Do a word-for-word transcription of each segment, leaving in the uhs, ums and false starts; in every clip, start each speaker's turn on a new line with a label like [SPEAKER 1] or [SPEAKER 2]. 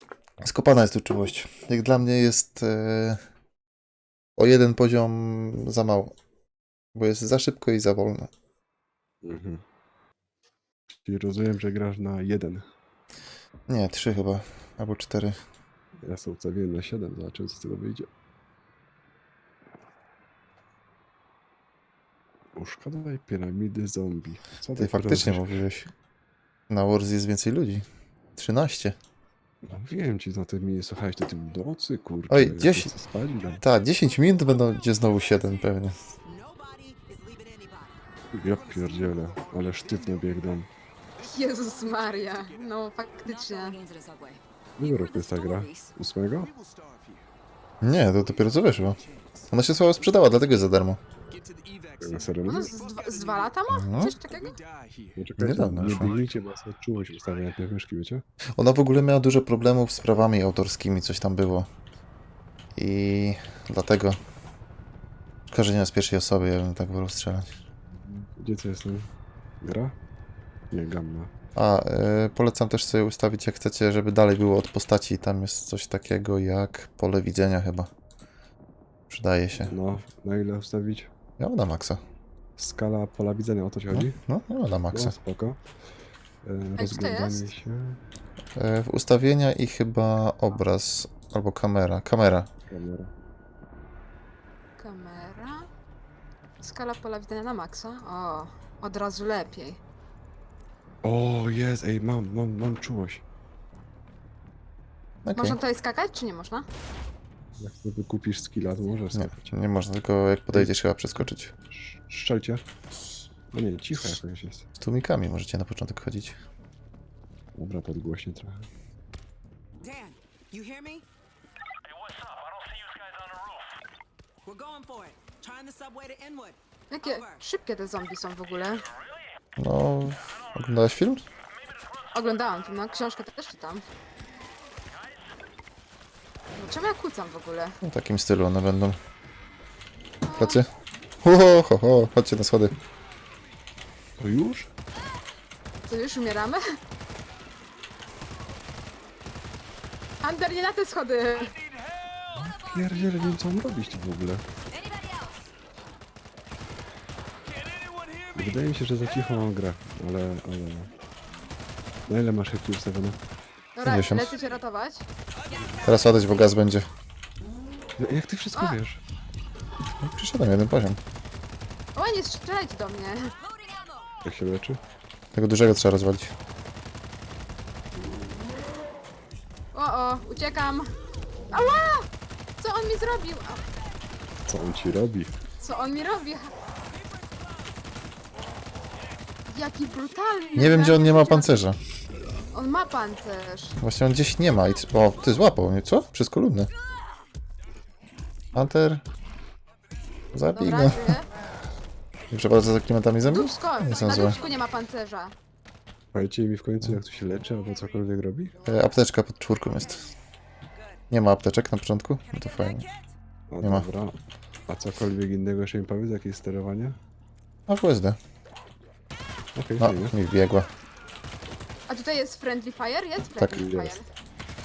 [SPEAKER 1] Skopana jest uczciwość. Jak dla mnie jest e, o jeden poziom za mało. Bo jest za szybko i za wolno.
[SPEAKER 2] Mhm. Czyli rozumiem, że grasz na jeden.
[SPEAKER 1] Nie, trzy chyba. Albo cztery.
[SPEAKER 2] Ja sobie ustawiłem na siedem, zobaczymy co z tego wyjdzie. Uszkadzaj piramidy zombie. Co
[SPEAKER 1] Ty
[SPEAKER 2] tak
[SPEAKER 1] faktycznie
[SPEAKER 2] robisz?
[SPEAKER 1] mówiłeś. Na Wars jest więcej ludzi. trzynaście.
[SPEAKER 2] No wiem ci, no ty mi nie słuchałeś do tym nocy, kurczę.
[SPEAKER 1] Oj,
[SPEAKER 2] ja
[SPEAKER 1] dziesięć.
[SPEAKER 2] chcę spać, no.
[SPEAKER 1] Tak, dziesięć minut będą gdzie znowu siedem pewnie.
[SPEAKER 2] Ja pierdzielę, ale sztywno biegną.
[SPEAKER 3] Jezus Maria, no faktycznie.
[SPEAKER 2] Ile roku jest ta gra? Ósmego?
[SPEAKER 1] Nie, to dopiero co wyszło. Ona się słabo sprzedała, dlatego jest za darmo.
[SPEAKER 2] Na serio
[SPEAKER 3] No
[SPEAKER 2] mówisz?
[SPEAKER 3] z, dwa, z dwa lata ma?
[SPEAKER 1] No.
[SPEAKER 3] Coś takiego?
[SPEAKER 2] No czekajcie,
[SPEAKER 1] Niedawno
[SPEAKER 2] nie
[SPEAKER 1] wyszło.
[SPEAKER 2] biegnijcie, bo ja sobie czułość ustawię najpierw myszki, wiecie?
[SPEAKER 1] Ona w ogóle miała dużo problemów z prawami autorskimi, coś tam było. I dlatego korzenia z pierwszej osoby, ja bym tak wolał strzelać.
[SPEAKER 2] Gdzie co jest ten? Gra? Nie, gamma.
[SPEAKER 1] A, y, polecam też sobie ustawić, jak chcecie, żeby dalej było od postaci. Tam jest coś takiego jak pole widzenia chyba. Przydaje się.
[SPEAKER 2] No, na ile ustawić?
[SPEAKER 1] Ja mam na maksa.
[SPEAKER 2] Skala pola widzenia, o to ci
[SPEAKER 1] No,
[SPEAKER 2] chodzi?
[SPEAKER 1] no, ja mam na
[SPEAKER 2] No,
[SPEAKER 1] maksa.
[SPEAKER 2] spoko. E,
[SPEAKER 3] to
[SPEAKER 2] rozglądanie
[SPEAKER 3] jest?
[SPEAKER 2] się.
[SPEAKER 1] Y, w ustawienia i chyba obraz albo kamera. Kamera.
[SPEAKER 2] Kamera.
[SPEAKER 3] Kamera. Skala pola widzenia na maksa. O, od razu lepiej.
[SPEAKER 2] O, jest, ej, mam, mam, mam czułość.
[SPEAKER 1] Okay.
[SPEAKER 3] Można tutaj skakać, czy nie można?
[SPEAKER 2] Jak sobie kupisz skilla, to możesz
[SPEAKER 1] Nie,
[SPEAKER 2] skakać.
[SPEAKER 1] nie można, tylko jak podejdziesz chyba przeskoczyć.
[SPEAKER 2] Sz- Strzelcie. No nie, cicho jakoś jest.
[SPEAKER 1] Z tłumikami możecie na początek chodzić.
[SPEAKER 2] Dobra, podgłośnie trochę.
[SPEAKER 4] Dan, you hear me? Hey, what's up? I don't see you guys on the roof. We're going for it. Trying the subway to Inwood.
[SPEAKER 3] Jakie szybkie te zombie są w ogóle.
[SPEAKER 1] No, oglądałeś film?
[SPEAKER 3] Oglądałam to, no książkę też czytam. No, czemu ja kłócam w ogóle?
[SPEAKER 1] W takim stylu one będą. Pracy? Ho, ho, ho, ho, chodźcie na schody.
[SPEAKER 2] To już?
[SPEAKER 3] Co, już umieramy? Ander, nie na te schody!
[SPEAKER 2] Pierdziele, nie wiem co mam robić tu w ogóle. Wydaje mi się, że za cicho mam grę, ale, ale... Na ile masz chętnie ustawione?
[SPEAKER 3] Dobra,
[SPEAKER 1] pięćdziesiąt.
[SPEAKER 3] lecę cię ratować.
[SPEAKER 1] Teraz ładać, bo gaz będzie.
[SPEAKER 2] No, jak ty wszystko
[SPEAKER 3] A!
[SPEAKER 2] wiesz?
[SPEAKER 1] No, przyszedłem jeden poziom.
[SPEAKER 3] O, nie strzelajcie do mnie.
[SPEAKER 2] Jak się leczy?
[SPEAKER 1] Tego dużego trzeba rozwalić.
[SPEAKER 3] O, o, uciekam. Ała! Co on mi zrobił? A,
[SPEAKER 2] Co on ci robi?
[SPEAKER 3] co on mi robi? Jaki brutalny.
[SPEAKER 1] Nie wiem, gdzie on nie ma pancerza.
[SPEAKER 3] On ma pancerz.
[SPEAKER 1] Właśnie on gdzieś nie ma i... tr- O, ty złapał mnie, co? Przez kolumnę. Hunter. Zabij
[SPEAKER 3] Dobra,
[SPEAKER 1] go.
[SPEAKER 3] żyję.
[SPEAKER 1] Dobrze, bardzo za klimatami zębów?
[SPEAKER 3] Dubsko,
[SPEAKER 1] Nie są
[SPEAKER 3] na
[SPEAKER 1] złe.
[SPEAKER 3] dubsku nie ma pancerza.
[SPEAKER 2] Powiedzcie mi w końcu, jak tu się leczy, albo cokolwiek robi?
[SPEAKER 1] E, apteczka pod czwórką jest. Nie ma apteczek na początku? No to fajnie.
[SPEAKER 2] O,
[SPEAKER 1] Nie ma.
[SPEAKER 2] dobra. A cokolwiek innego jeszcze mi powiedz, jakie jest sterowanie?
[SPEAKER 1] A w U S D.
[SPEAKER 2] Okej,
[SPEAKER 1] No,
[SPEAKER 2] fajnie.
[SPEAKER 1] mi wbiegła.
[SPEAKER 3] A tutaj jest friendly fire? Jest
[SPEAKER 1] Tak,
[SPEAKER 3] friendly
[SPEAKER 2] jest.
[SPEAKER 3] fire.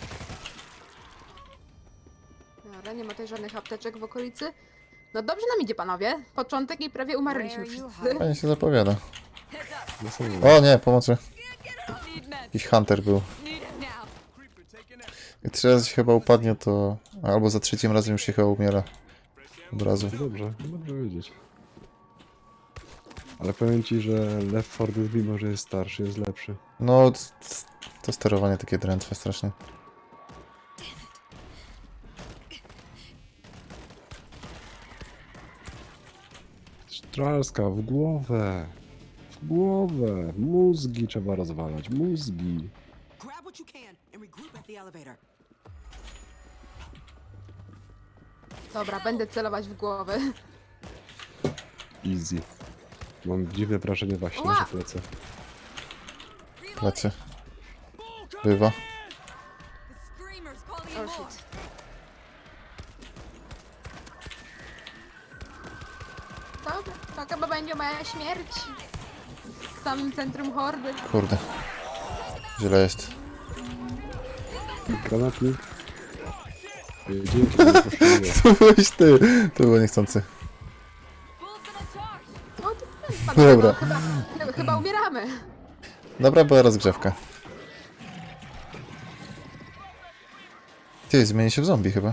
[SPEAKER 3] Dobra, nie ma tutaj żadnych apteczek w okolicy. No dobrze nam idzie, panowie. Początek i prawie umarliśmy wszyscy.
[SPEAKER 1] Fajnie się zapowiada.
[SPEAKER 2] No są-
[SPEAKER 1] O nie, pomocy. Jakiś Hunter był. Jak trzy razy się chyba upadnie, to... Albo za trzecim razem już się chyba umiera. Od razu.
[SPEAKER 2] Dobrze, dobrze wiedzieć. Ale powiem ci, że Left four Dead, mimo że jest starszy, jest lepszy.
[SPEAKER 1] No, c- c- to sterowanie takie drętwe strasznie.
[SPEAKER 2] Strzelska w głowę! W głowę! Mózgi trzeba rozwalać, mózgi!
[SPEAKER 4] Grab what you can and regroup at the elevator.
[SPEAKER 3] Dobra, będę celować w głowę.
[SPEAKER 2] Easy. Mam dziwne wrażenie właśnie,
[SPEAKER 3] Ła!
[SPEAKER 2] że plecę.
[SPEAKER 1] Plecy. Bywa.
[SPEAKER 3] Oh shit. Dobra, to chyba będzie moja śmierć. W samym centrum hordy.
[SPEAKER 1] Kurde. Źle jest.
[SPEAKER 2] Granatnik. Ej, Dzięki, że nie poszukuję.
[SPEAKER 1] To byłeś ty. To było niechcący.
[SPEAKER 3] O, to panowie,
[SPEAKER 1] Dobra.
[SPEAKER 3] no, chyba, chyba, chyba umieramy.
[SPEAKER 1] Dobra była rozgrzewka. Ty, zmieni się w zombie chyba.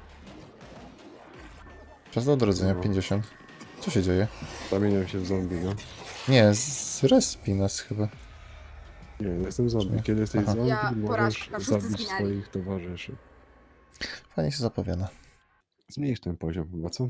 [SPEAKER 1] Czas do odrodzenia,
[SPEAKER 2] No.
[SPEAKER 1] pięćdziesiąt. Co się dzieje?
[SPEAKER 2] Zamieniam się w zombie, no.
[SPEAKER 1] Nie, z respi nas chyba.
[SPEAKER 2] Nie, jestem zombie. Kiedy jesteś
[SPEAKER 1] Aha.
[SPEAKER 2] zombie,
[SPEAKER 3] Ja
[SPEAKER 2] możesz
[SPEAKER 3] porażka, wszyscy
[SPEAKER 2] zabić
[SPEAKER 3] zginęli.
[SPEAKER 2] swoich towarzyszy.
[SPEAKER 1] Fajnie się zapowiada.
[SPEAKER 2] Zmniejsz ten poziom chyba, co?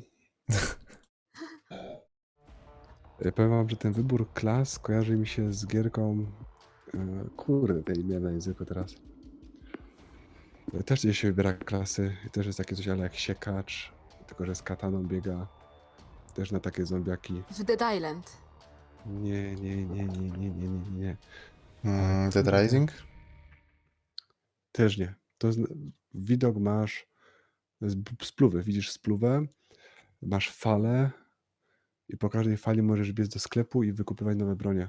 [SPEAKER 2] Ja powiem wam, że ten wybór klas kojarzy mi się z gierką... e, Kurde, tej imię na języku teraz. E, Też gdzieś się wybiera klasy i też jest takie coś ale jak siekacz, tylko że z kataną biega. Też na takie zombiaki.
[SPEAKER 3] W Dead Island.
[SPEAKER 2] Nie, nie, nie, nie, nie, nie, nie, nie.
[SPEAKER 1] Mm, Dead Rising?
[SPEAKER 2] Też nie. To jest, widok masz z spluwy. Widzisz spluwę, masz falę i po każdej fali możesz biec do sklepu i wykupywać nowe bronie.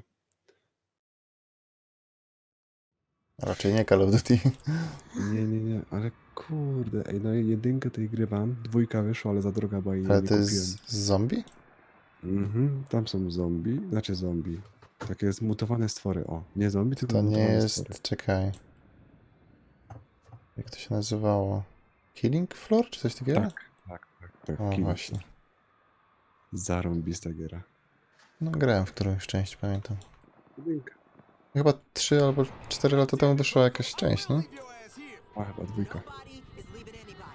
[SPEAKER 1] Raczej nie Call of Duty.
[SPEAKER 2] Nie, nie, nie, ale kurde, ej, no jedynkę tej gry mam, dwójka wyszła, ale za droga była i jej
[SPEAKER 1] Ale
[SPEAKER 2] nie
[SPEAKER 1] to
[SPEAKER 2] kupiłem.
[SPEAKER 1] jest z zombie?
[SPEAKER 2] Mhm, tam są zombie, znaczy zombie. Takie zmutowane stwory, o. Nie zombie, tylko
[SPEAKER 1] To nie
[SPEAKER 2] zmutowane
[SPEAKER 1] jest...
[SPEAKER 2] stwory.
[SPEAKER 1] Czekaj. Jak to się nazywało? Killing Floor? Czy coś takiego?
[SPEAKER 2] Tak, tak, tak, tak.
[SPEAKER 1] O,
[SPEAKER 2] Kim-
[SPEAKER 1] właśnie.
[SPEAKER 2] Zarąbista giera.
[SPEAKER 1] No grałem w którąś część, pamiętam.
[SPEAKER 2] Jedynka.
[SPEAKER 1] Chyba trzy albo cztery lata temu wyszła jakaś część, no?
[SPEAKER 2] A, chyba dwójka.
[SPEAKER 4] Nobody is leaving anybody.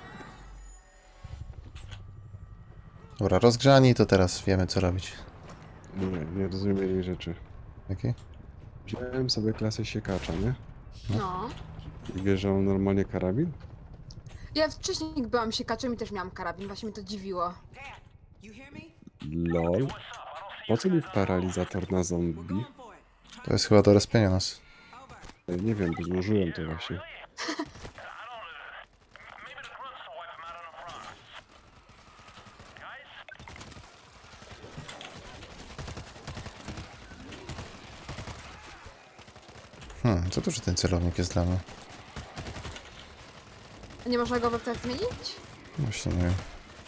[SPEAKER 1] Dobra, rozgrzani, to teraz wiemy co robić.
[SPEAKER 2] Nie, nie rozumiem jednej rzeczy.
[SPEAKER 1] Jakie?
[SPEAKER 2] Wziąłem sobie klasę siekacza, nie?
[SPEAKER 3] No.
[SPEAKER 2] I wiesz, że mam normalnie karabin?
[SPEAKER 3] Ja wcześniej byłam siekaczem i też miałam karabin, właśnie mnie to dziwiło.
[SPEAKER 4] Dad, you hear me?
[SPEAKER 2] Lol. Po co mi paralizator na zombie?
[SPEAKER 4] Going for it.
[SPEAKER 1] To jest chyba do rozpienia nas.
[SPEAKER 2] Ej, Nie wiem, bo złożyłem to właśnie.
[SPEAKER 1] Hmm, co duży ten celownik jest dla mnie?
[SPEAKER 3] Nie można go we wtedy zmienić?
[SPEAKER 1] Właśnie nie wiem.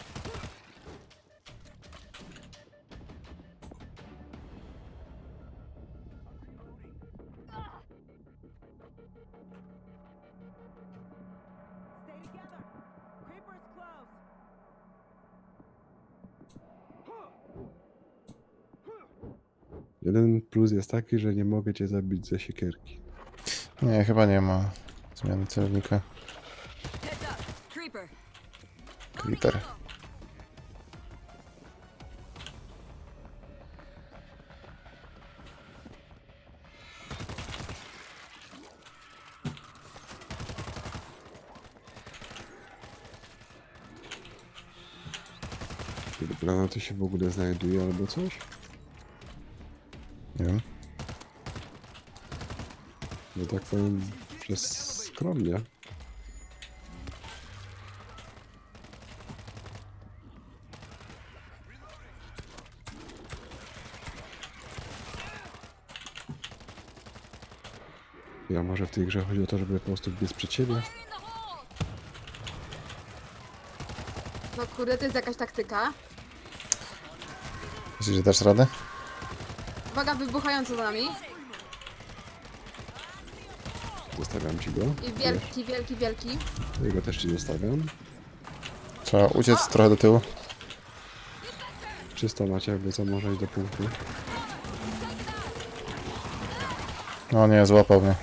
[SPEAKER 4] Stay together. Creeper's close.
[SPEAKER 2] Jeden plus jest taki, że nie mogę cię zabić ze siekierki.
[SPEAKER 1] Nie, chyba nie ma zmiany celownika.
[SPEAKER 4] Heads up. Creeper.
[SPEAKER 1] Creeper.
[SPEAKER 2] Czy granaty się w ogóle znajduje albo coś?
[SPEAKER 1] Nie wiem.
[SPEAKER 2] Że tak powiem, przez skromnie. Ja może w tej grze chodzi o to, żeby po prostu biec przed siebie?
[SPEAKER 3] No kurde, to jest jakaś taktyka.
[SPEAKER 1] Myślisz, że dasz radę?
[SPEAKER 3] Uwaga, wybuchająco za nami.
[SPEAKER 2] Zostawiam ci go.
[SPEAKER 3] I wielki, wielki, wielki.
[SPEAKER 2] Jego też ci zostawiam.
[SPEAKER 1] Trzeba uciec trochę do tyłu.
[SPEAKER 2] Czysto macie, jakby co może iść do punktu.
[SPEAKER 1] No nie, złapał mnie.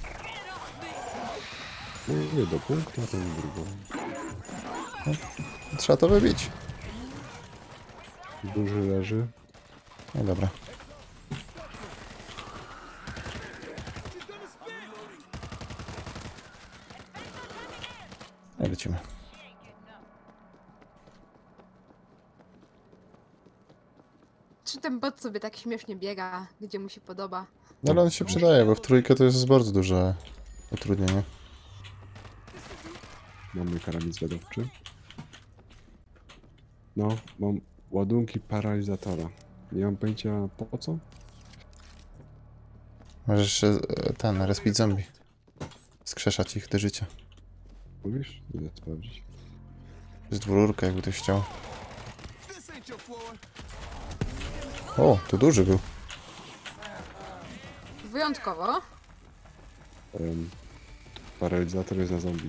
[SPEAKER 2] No nie do punktu, a ten drugą.
[SPEAKER 1] Trzeba to wybić.
[SPEAKER 2] Duży leży.
[SPEAKER 1] No dobra. No i lecimy.
[SPEAKER 3] Czy ten bot sobie tak śmiesznie biega, gdzie mu się podoba?
[SPEAKER 1] No ale on się przydaje, bo w trójkę to jest bardzo duże utrudnienie.
[SPEAKER 2] Mam mój karabin zwiadowczy. No, mam ładunki paralizatora. Nie mam pojęcia po co.
[SPEAKER 1] Możesz jeszcze e, ten, respić zombie. Skrzeszać ich do życia.
[SPEAKER 2] Mówisz? Idę sprawdzić.
[SPEAKER 1] To jest dwururka, jakby ktoś chciał. O, to duży był.
[SPEAKER 3] Wyjątkowo.
[SPEAKER 2] Um, paralizator jest na zombie.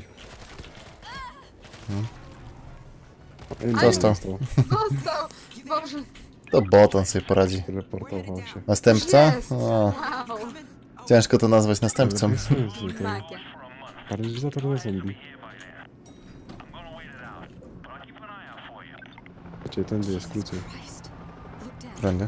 [SPEAKER 1] Hmm.
[SPEAKER 2] Ej,
[SPEAKER 1] Został.
[SPEAKER 2] został.
[SPEAKER 3] Został! Boże,
[SPEAKER 1] To bot, on sobie poradzi.
[SPEAKER 2] Teleportował się.
[SPEAKER 1] Następca?
[SPEAKER 3] jest!
[SPEAKER 1] O,
[SPEAKER 3] Wow.
[SPEAKER 1] ciężko to nazwać następcą.
[SPEAKER 2] Ale bez sensu, ten
[SPEAKER 3] Takie.
[SPEAKER 2] Paralizator na zombie. Czyli tędy jest krócej.
[SPEAKER 1] Prędy.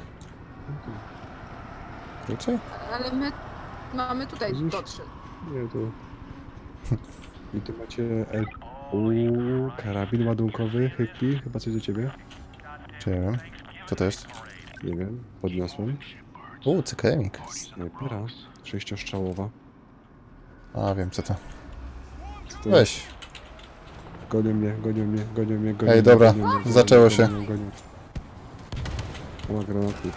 [SPEAKER 1] Krócej?
[SPEAKER 3] Ale my mamy tutaj
[SPEAKER 2] Widzisz?
[SPEAKER 3] dotrzeć.
[SPEAKER 2] Nie, to... I tu macie... El... Uuu, karabin ładunkowy, hykli, chyba coś do ciebie?
[SPEAKER 1] Czy nie wiem. Co to jest?
[SPEAKER 2] Nie wiem, podniosłem.
[SPEAKER 1] U, cykemik.
[SPEAKER 2] Snajpera, sześciostrzałowa.
[SPEAKER 1] A, wiem co to.
[SPEAKER 2] Co to
[SPEAKER 1] Weź.
[SPEAKER 2] Gonią mnie, gonią mnie, gonią mnie, gonią
[SPEAKER 1] Ej,
[SPEAKER 2] mnie,
[SPEAKER 1] dobra,
[SPEAKER 2] gonią mnie, gonią
[SPEAKER 1] zaczęło
[SPEAKER 2] mnie,
[SPEAKER 1] się.
[SPEAKER 2] Gonią, gonią. O, ma granatnik.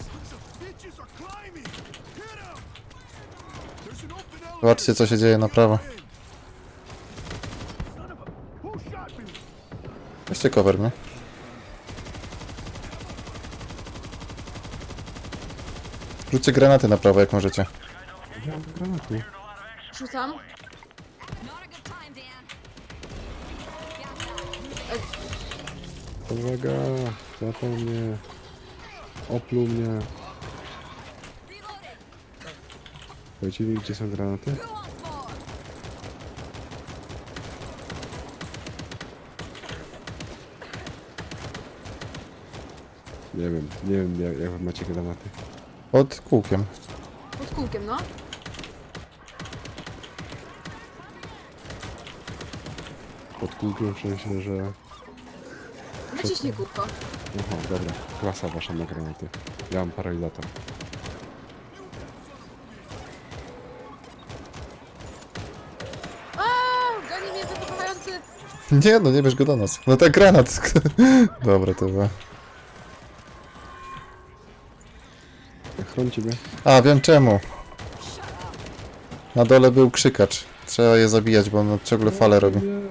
[SPEAKER 1] Zobaczcie co się dzieje na prawo. Weźcie cover, nie? Rzućcie granaty na prawo jak możecie.
[SPEAKER 2] Ja mam granatu.
[SPEAKER 3] Rzucam.
[SPEAKER 2] Uwaga, złapał mnie. Opluł mnie. Powiecie mi, gdzie są granaty? Nie wiem, nie wiem jak, jak wy macie granaty.
[SPEAKER 1] Pod kółkiem.
[SPEAKER 3] Pod kółkiem, no.
[SPEAKER 2] Pod kółkiem w sensie, że...
[SPEAKER 3] Naciśnij kółko.
[SPEAKER 2] Aha, dobra. Klasa wasza na granaty. Ja mam paralizator.
[SPEAKER 3] A, goni mnie wybuchający.
[SPEAKER 1] Nie no, nie bierz go do nas. No tak granat. Dobra, to było.
[SPEAKER 2] Chroń ciebie.
[SPEAKER 1] A, wiem czemu. Na dole był krzykacz. Trzeba je zabijać, bo on ciągle fale robi.
[SPEAKER 2] Nie.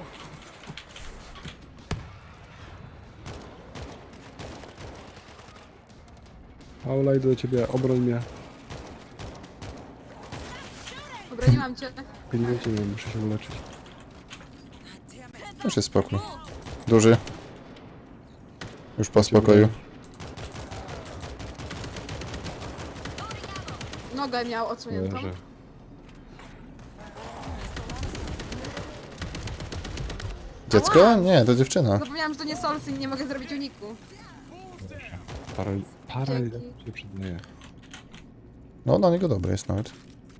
[SPEAKER 2] Paula, idę do ciebie, obroń mnie.
[SPEAKER 3] Obroniłam cię.
[SPEAKER 2] Pilnujcie mnie, muszę się uleczyć.
[SPEAKER 1] Już jest spokój. Duży. Już po spokoju.
[SPEAKER 3] Nogę miał odsuniętą.
[SPEAKER 2] Leżę.
[SPEAKER 1] Dziecko? Nie, to dziewczyna.
[SPEAKER 3] Zapomniałam, że to nie solsy i nie mogę zrobić uniku.
[SPEAKER 2] Paral... Paralizator
[SPEAKER 3] Dzięki.
[SPEAKER 2] się przydaje.
[SPEAKER 1] No, na niego dobry jest nawet.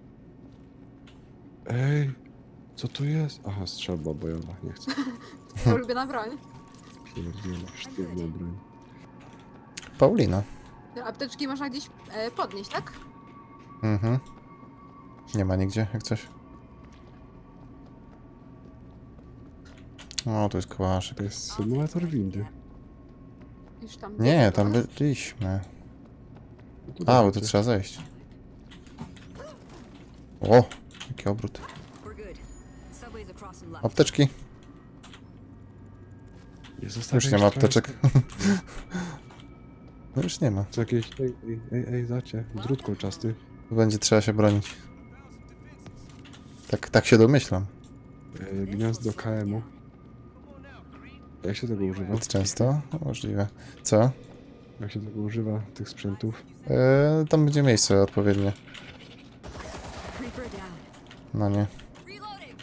[SPEAKER 2] Ej, co tu jest? Aha, strzelba bojowa, nie chcę.
[SPEAKER 3] Twoja ulubiona broń.
[SPEAKER 2] Pierdziele, sztywna broń.
[SPEAKER 1] Paulina.
[SPEAKER 3] Apteczki można gdzieś e, podnieść, tak?
[SPEAKER 1] Mhm. Nie ma nigdzie, jak coś. O, tu jest kołaszek.
[SPEAKER 2] To jest symulator windy.
[SPEAKER 3] Już tam.
[SPEAKER 1] Nie, tam byliśmy.
[SPEAKER 2] No to
[SPEAKER 1] A, bo tu
[SPEAKER 2] dawajcie.
[SPEAKER 1] trzeba zejść. O, jaki obrót.
[SPEAKER 4] We're good. Subway's across and left.
[SPEAKER 1] Apteczki.
[SPEAKER 2] Nie zostawiaj
[SPEAKER 1] Już nie ma
[SPEAKER 2] strefy.
[SPEAKER 1] apteczek. No już nie ma.
[SPEAKER 2] Co jakieś... Ej, ej, ej, ej, zacie. Drut kolczasty.
[SPEAKER 1] Tu będzie trzeba się bronić. Tak, tak się domyślam.
[SPEAKER 2] Ej, gniazdo K M-u. Jak się tego używa?
[SPEAKER 1] Zbyt często? No, możliwe. Co?
[SPEAKER 2] Jak się tego używa, tych sprzętów?
[SPEAKER 1] Eee, tam będzie miejsce odpowiednie.
[SPEAKER 4] Creeper down.
[SPEAKER 1] No nie.
[SPEAKER 4] Reloading.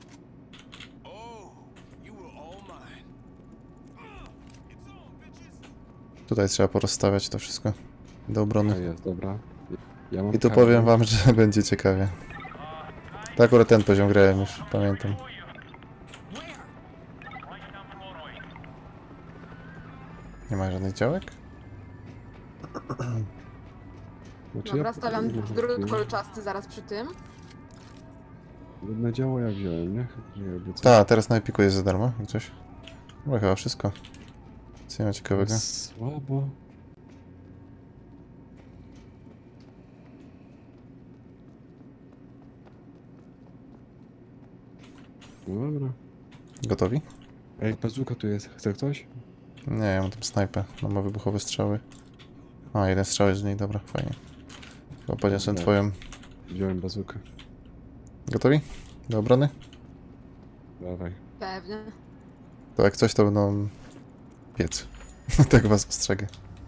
[SPEAKER 1] Tutaj trzeba porozstawiać to wszystko do
[SPEAKER 2] A
[SPEAKER 1] obrony.
[SPEAKER 2] jest, dobra. Ja mam
[SPEAKER 1] I tu
[SPEAKER 2] kartę.
[SPEAKER 1] powiem wam, że będzie ciekawie. Tak akurat ten poziom grałem już, pamiętam. Nie ma żadnych działek?
[SPEAKER 2] Znaczy,
[SPEAKER 3] Dobra,
[SPEAKER 2] ja-
[SPEAKER 3] stawiam
[SPEAKER 2] nie,
[SPEAKER 3] drut
[SPEAKER 2] nie.
[SPEAKER 3] kolczasty zaraz przy tym.
[SPEAKER 2] Na działo ja wziąłem, nie? Nie robię co.
[SPEAKER 1] Tak, teraz na Epiku jest za darmo, jak coś. Chyba chyba wszystko. Co nie ma ciekawego?
[SPEAKER 2] Słabo. No dobra.
[SPEAKER 1] Gotowi?
[SPEAKER 2] Ej, bazuka tu jest. Chce ktoś?
[SPEAKER 1] Nie, ja mam tam snajpę. No ma wybuchowe strzały. A, jeden strzał jest z niej, dobra, fajnie. Chyba podniosłem
[SPEAKER 2] Dobra.
[SPEAKER 1] twoją.
[SPEAKER 2] Wziąłem bazukę.
[SPEAKER 1] Gotowi? Do obrony?
[SPEAKER 2] Dawaj.
[SPEAKER 3] Pewnie.
[SPEAKER 1] To jak coś, to będą piec. Tak was ostrzegę.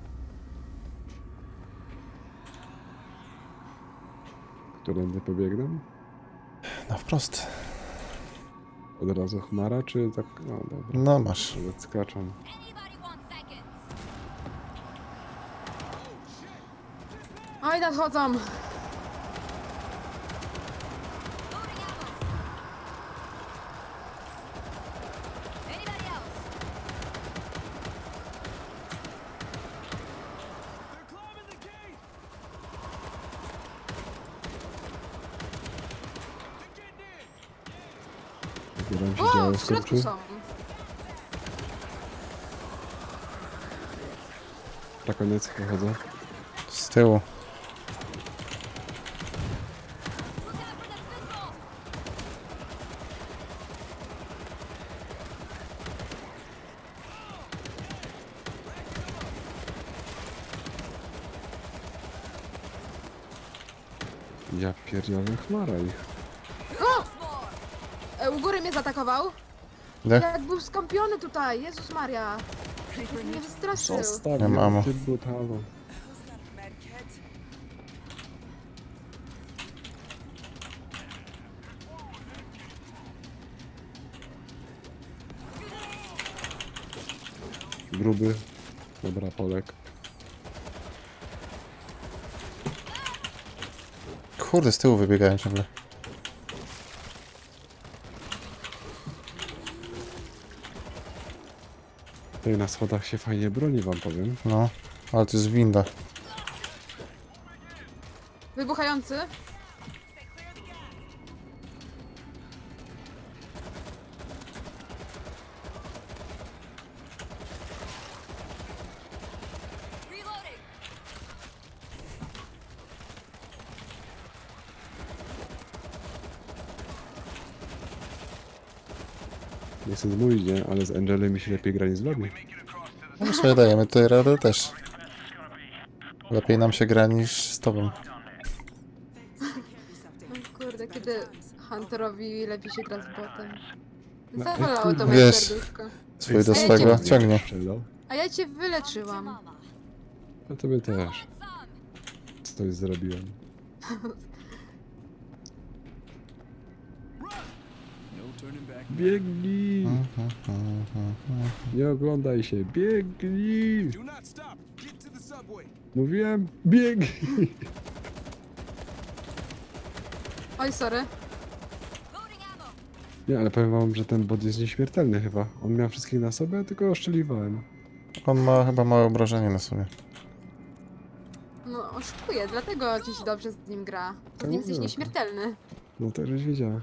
[SPEAKER 2] Którędy pobiegną?
[SPEAKER 1] No wprost.
[SPEAKER 2] Od razu chmara, czy tak? No dobra.
[SPEAKER 1] No masz.
[SPEAKER 2] Nawet skaczą.
[SPEAKER 3] Oj, nadchodzą!
[SPEAKER 2] Zbieram się
[SPEAKER 3] O,
[SPEAKER 2] działo
[SPEAKER 3] w środku
[SPEAKER 2] skurczy.
[SPEAKER 3] są.
[SPEAKER 2] Na koniec wychodzę.
[SPEAKER 1] Z tyłu.
[SPEAKER 2] Ja pierdzielę chmara ich.
[SPEAKER 3] O! E, u góry mnie zaatakował.
[SPEAKER 1] Ile?
[SPEAKER 3] Jak był skąpiony tutaj, Jezus Maria. Jak mnie wystraszył.
[SPEAKER 2] Zostaw
[SPEAKER 1] Nie mam
[SPEAKER 2] ją,
[SPEAKER 1] ammo.
[SPEAKER 2] ty brutalu.
[SPEAKER 4] Medkit.
[SPEAKER 2] Gruby. Dobra, Polek.
[SPEAKER 1] Kurde, z tyłu wybiegają ciągle.
[SPEAKER 2] Tutaj na schodach się fajnie broni, wam powiem.
[SPEAKER 1] No, ale to jest winda.
[SPEAKER 3] Wybuchający.
[SPEAKER 2] Nie chcę zmówić, nie? Ale z Angelem mi się lepiej gra niż z lobby.
[SPEAKER 1] No sobie dajemy tutaj radę też. Lepiej nam się gra niż z tobą.
[SPEAKER 3] O kurde, kiedy Hunterowi lepiej się gra z botem.
[SPEAKER 2] No,
[SPEAKER 3] Zawalało to
[SPEAKER 2] kurde.
[SPEAKER 3] moje
[SPEAKER 1] Wiesz.
[SPEAKER 3] serduszko.
[SPEAKER 1] Swój do
[SPEAKER 3] Ej,
[SPEAKER 1] swego
[SPEAKER 3] dziękuję.
[SPEAKER 1] ciągnie.
[SPEAKER 2] Strzelał.
[SPEAKER 3] A ja cię wyleczyłam.
[SPEAKER 2] A tobie też. Coś zrobiłem. Biegnij! Nie oglądaj się, biegnij! Mówiłem, biegnij!
[SPEAKER 3] Oj, sorry.
[SPEAKER 2] Nie, ale powiem wam, że ten bot jest nieśmiertelny chyba. On miał wszystkich na sobie, a tylko oszczeliwałem.
[SPEAKER 1] On ma chyba małe obrażenie na sobie.
[SPEAKER 3] No, oszukuje, dlatego ci się dobrze z nim gra. Z nim jesteś
[SPEAKER 2] Tak.
[SPEAKER 3] nieśmiertelny.
[SPEAKER 2] No to już wiedziałem.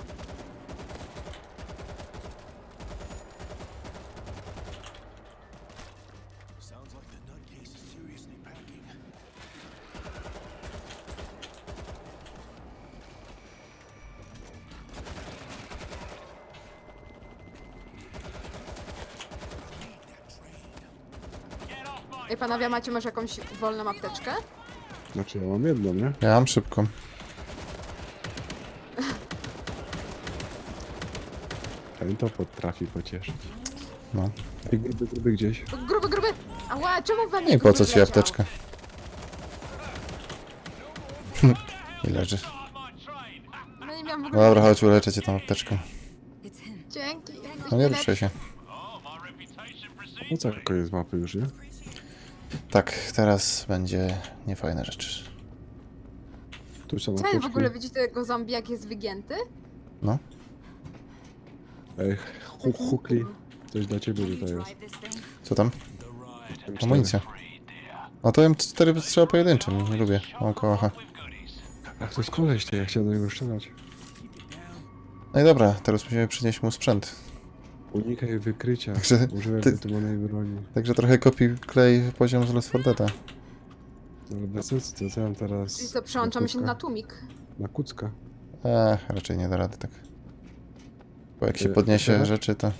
[SPEAKER 3] Ej, panowie, macie może jakąś wolną apteczkę?
[SPEAKER 2] Znaczy ja mam jedną, nie?
[SPEAKER 1] Ja mam szybką.
[SPEAKER 2] Ten to potrafi pocieszyć.
[SPEAKER 1] No.
[SPEAKER 2] Ej, gruby, gruby gdzieś.
[SPEAKER 3] O, gruby, gruby! Ała, czemu wam
[SPEAKER 1] I
[SPEAKER 3] nie
[SPEAKER 1] po co
[SPEAKER 3] gruby
[SPEAKER 1] ci
[SPEAKER 3] wleciał?
[SPEAKER 1] apteczka? I leży.
[SPEAKER 3] No nie miałam w
[SPEAKER 1] No
[SPEAKER 3] ogóle...
[SPEAKER 1] dobra, chodź, uleczę cię tą apteczką.
[SPEAKER 3] Dzięki. jesteś
[SPEAKER 1] No nie
[SPEAKER 3] najlepszy.
[SPEAKER 1] ruszaj się.
[SPEAKER 2] No co, koniec mapy już, nie?
[SPEAKER 1] Tak, teraz będzie niefajna rzecz.
[SPEAKER 2] Tu są
[SPEAKER 3] Co wy w
[SPEAKER 2] apteczki.
[SPEAKER 3] ogóle widzicie tego zombie, jak jest wygięty?
[SPEAKER 1] No.
[SPEAKER 2] Ej, hu hukli. Coś dla ciebie tutaj jest.
[SPEAKER 1] Co tam?
[SPEAKER 2] M cztery.
[SPEAKER 1] Amunicja. No to M cztery strzała pojedynczym, nie lubię. Mam kołacha.
[SPEAKER 2] Ach, to jest koleś, to ja chciałem do niego strzelać.
[SPEAKER 1] No i dobra, teraz musimy przynieść mu sprzęt.
[SPEAKER 2] Unikaj wykrycia.
[SPEAKER 1] Także
[SPEAKER 2] Używaj
[SPEAKER 1] ty-
[SPEAKER 2] wytymonej broni.
[SPEAKER 1] Także trochę kopi klej poziom z Left four Dead'a.
[SPEAKER 2] No ale bez sensu, to co ja mam teraz...
[SPEAKER 3] Czyli co, przełączamy się
[SPEAKER 2] kucka?
[SPEAKER 3] na tłumik.
[SPEAKER 2] Na kucka.
[SPEAKER 1] Eee, raczej nie da rady tak. Bo jak się
[SPEAKER 2] Y,
[SPEAKER 1] podniesie
[SPEAKER 2] teraz?
[SPEAKER 1] rzeczy, to...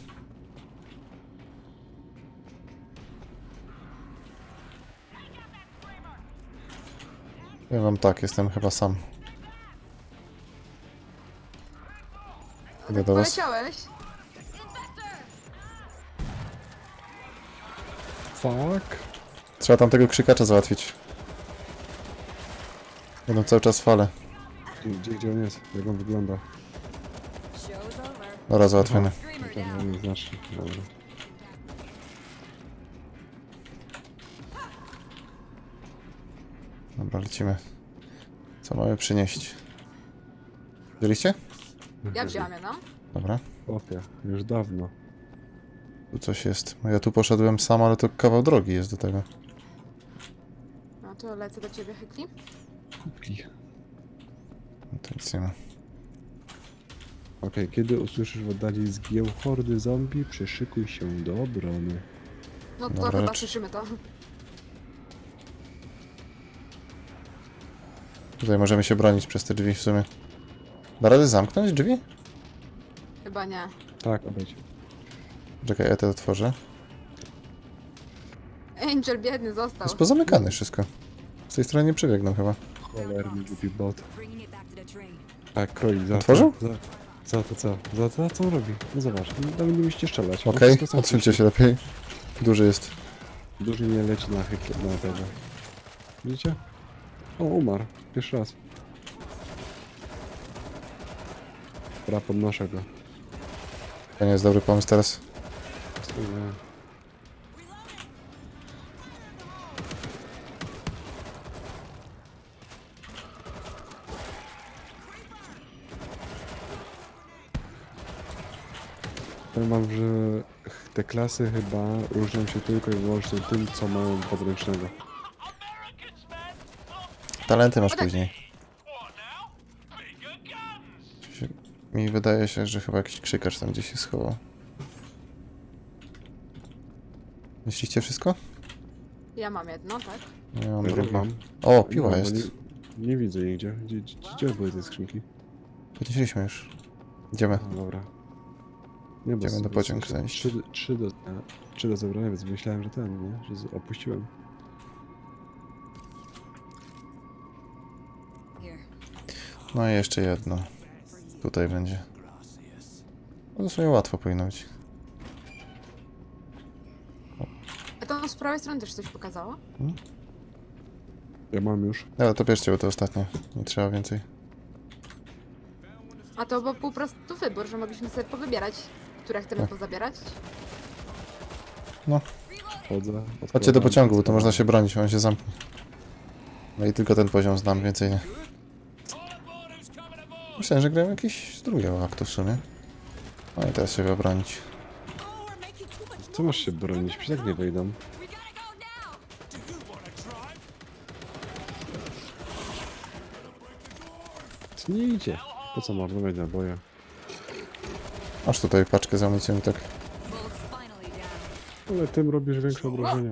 [SPEAKER 1] Ja wam tak, jestem chyba sam. Idę do was.
[SPEAKER 3] Poleciałeś?
[SPEAKER 2] Fuck.
[SPEAKER 1] Trzeba tam tego krzykacza załatwić. Będą cały czas fale.
[SPEAKER 2] Gdzie, gdzie on jest? Jak on wygląda?
[SPEAKER 4] Show's over.
[SPEAKER 1] Dobra, załatwiony.
[SPEAKER 4] Screamer
[SPEAKER 2] To
[SPEAKER 4] down.
[SPEAKER 2] nie znaczy. Dobra.
[SPEAKER 1] Dobra, lecimy. Co mamy przynieść? Wzięliście?
[SPEAKER 3] Ja wziąłem jedną.
[SPEAKER 1] Dobra.
[SPEAKER 2] Opie, już dawno.
[SPEAKER 1] Tu coś jest. Ja tu poszedłem sam, ale to kawał drogi jest do tego.
[SPEAKER 3] No to lecę do ciebie, Hykli.
[SPEAKER 2] Kupli.
[SPEAKER 1] No to nic nie ma.
[SPEAKER 2] Okej, kiedy usłyszysz w oddali zgieł hordy zombie, przyszykuj się do obrony.
[SPEAKER 3] No to
[SPEAKER 1] Dobra,
[SPEAKER 3] chyba
[SPEAKER 1] czy-
[SPEAKER 3] słyszymy to.
[SPEAKER 1] Tutaj możemy się bronić przez te drzwi w sumie. Da radę zamknąć drzwi?
[SPEAKER 3] Chyba nie.
[SPEAKER 2] Tak, obejdź.
[SPEAKER 1] Czekaj, ja to otworzę.
[SPEAKER 3] Angel biedny został.
[SPEAKER 1] Jest pozamykane wszystko. Z tej strony nie przebiegną chyba.
[SPEAKER 2] Cholerny głupi bot.
[SPEAKER 4] Bringing it back to the train.
[SPEAKER 2] A, kroi, za
[SPEAKER 1] Otworzył?
[SPEAKER 2] Za, za to co? Za, za co on robi? No zobacz, no, nie musicie strzelać. On
[SPEAKER 1] Okej,
[SPEAKER 2] wszystko sam
[SPEAKER 1] odsuńcie
[SPEAKER 2] słyszy.
[SPEAKER 1] się lepiej. Duży jest.
[SPEAKER 2] Duży nie leci na hyk, na tego. Widzicie? O, umarł. Pierwszy raz. Dobra, podnoszę go.
[SPEAKER 1] To nie jest dobry pomysł teraz.
[SPEAKER 2] Nie. Powiem wam, że te klasy chyba różnią się tylko i wyłącznie tym, co mają podręcznego.
[SPEAKER 1] Talenty masz później. Się- Mi wydaje się, że chyba jakiś krzykacz tam gdzieś się schował. Myślicie wszystko?
[SPEAKER 3] Ja mam jedno, tak?
[SPEAKER 1] Nie mam
[SPEAKER 2] Ja
[SPEAKER 1] drugie.
[SPEAKER 2] mam.
[SPEAKER 1] O, piła
[SPEAKER 2] Nie,
[SPEAKER 1] jest.
[SPEAKER 2] bo Nie, nie widzę nigdzie. Gdzie, gdzie, gdzie były te skrzynki?
[SPEAKER 1] Podnieśliśmy już. Idziemy.
[SPEAKER 2] A, dobra. Nie, bo
[SPEAKER 1] Idziemy do
[SPEAKER 2] z-
[SPEAKER 1] pociąg
[SPEAKER 2] z-
[SPEAKER 1] zajść.
[SPEAKER 2] trzy, trzy, do, trzy do zebrania, więc myślałem, że ten, nie? Że z- opuściłem.
[SPEAKER 4] Here.
[SPEAKER 1] No i jeszcze jedno. Tutaj będzie. No to sobie łatwo powinno być.
[SPEAKER 3] A to z prawej strony też coś pokazało?
[SPEAKER 2] Ja mam już.
[SPEAKER 1] Ale to bierzcie, bo to ostatnie. Nie trzeba więcej.
[SPEAKER 3] A to był po prostu wybór, że mogliśmy sobie powybierać, które chcemy
[SPEAKER 1] Tak.
[SPEAKER 3] pozabierać.
[SPEAKER 1] No,
[SPEAKER 2] Chodzę.
[SPEAKER 1] chodźcie do
[SPEAKER 2] odkładam,
[SPEAKER 1] pociągu, bo to
[SPEAKER 2] odkładam.
[SPEAKER 1] można się bronić, on się zamknie. No i tylko ten poziom znam, więcej nie. Myślałem, że grałem jakiś z drugiego aktu w sumie. No i teraz się obronić.
[SPEAKER 4] Oh, we're making too much
[SPEAKER 2] Co masz się bronić? Przecież tak nie wejdą.
[SPEAKER 4] We gotta go now.
[SPEAKER 2] To nie idzie. Po co marnować naboje?
[SPEAKER 1] Masz tutaj paczkę z amunicją i tak.
[SPEAKER 4] Bull's finally down.
[SPEAKER 2] Ale tym robisz większe obrażenia.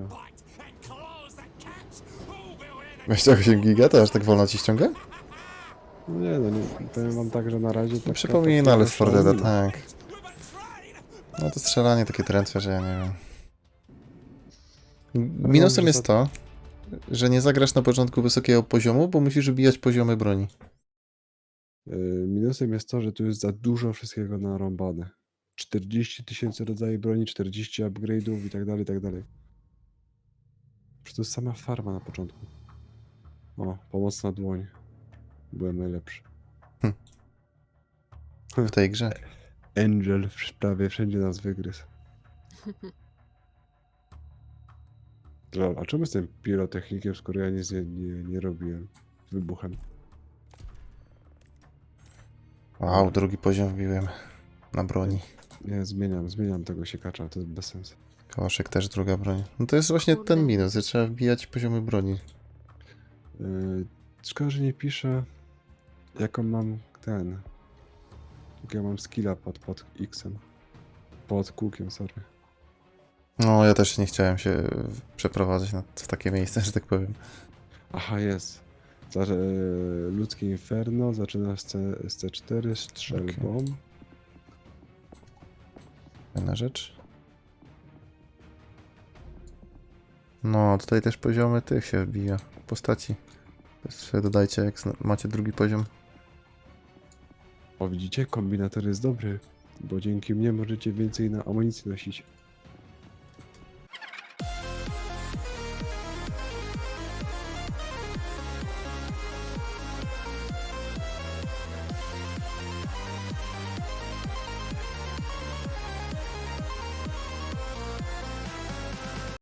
[SPEAKER 1] dwadzieścia osiem giga, to aż tak wolno ci ściąga?
[SPEAKER 2] No nie, no nie. Powiem wam tak, że na razie...
[SPEAKER 1] No
[SPEAKER 2] taka
[SPEAKER 1] przypomina,
[SPEAKER 2] taka
[SPEAKER 1] ale z Fordeda,
[SPEAKER 2] szalina.
[SPEAKER 1] tak. No to strzelanie takie trętwe, że ja nie wiem. Minusem
[SPEAKER 2] że
[SPEAKER 1] jest
[SPEAKER 2] za-
[SPEAKER 1] to, że nie zagrasz na początku wysokiego poziomu, bo musisz wbijać poziomy broni.
[SPEAKER 2] Yy, Minusem jest to, że tu jest za dużo wszystkiego narąbane. czterdzieści tysięcy rodzajów broni, czterdzieści upgrade'ów i tak dalej, i tak dalej. Przecież to jest sama farma na początku. O, pomocna dłoń. Byłem najlepszy.
[SPEAKER 1] W tej grze.
[SPEAKER 2] Angel w- prawie wszędzie nas wygryzł. Lol, a czemu jestem pirotechnikiem, skoro ja nic nie, nie, nie robiłem z wybuchem?
[SPEAKER 1] Wow, drugi poziom wbiłem na broni.
[SPEAKER 2] Nie, zmieniam, zmieniam tego siekacza, to jest bez sensu.
[SPEAKER 1] Koszek też druga broń. No to jest właśnie
[SPEAKER 3] Kurde.
[SPEAKER 1] ten minus, że trzeba wbijać poziomy broni.
[SPEAKER 2] Yy, szkoda, że nie piszę, jaką mam ten... Jak ja mam skilla pod, pod X-em. Pod kółkiem, sorry.
[SPEAKER 1] No, ja też nie chciałem się w- przeprowadzać na, w takie miejsce, że tak powiem.
[SPEAKER 2] Aha, jest. Za, e, ludzkie inferno, zaczyna z, C, z C cztery strzelbą.
[SPEAKER 1] Fajna rzecz. No, tutaj też poziomy tych się wbija. Postaci. Też sobie dodajcie, jak zna- macie drugi poziom.
[SPEAKER 2] O, widzicie? Kombinator jest dobry, bo dzięki mnie możecie więcej na amunicji nosić.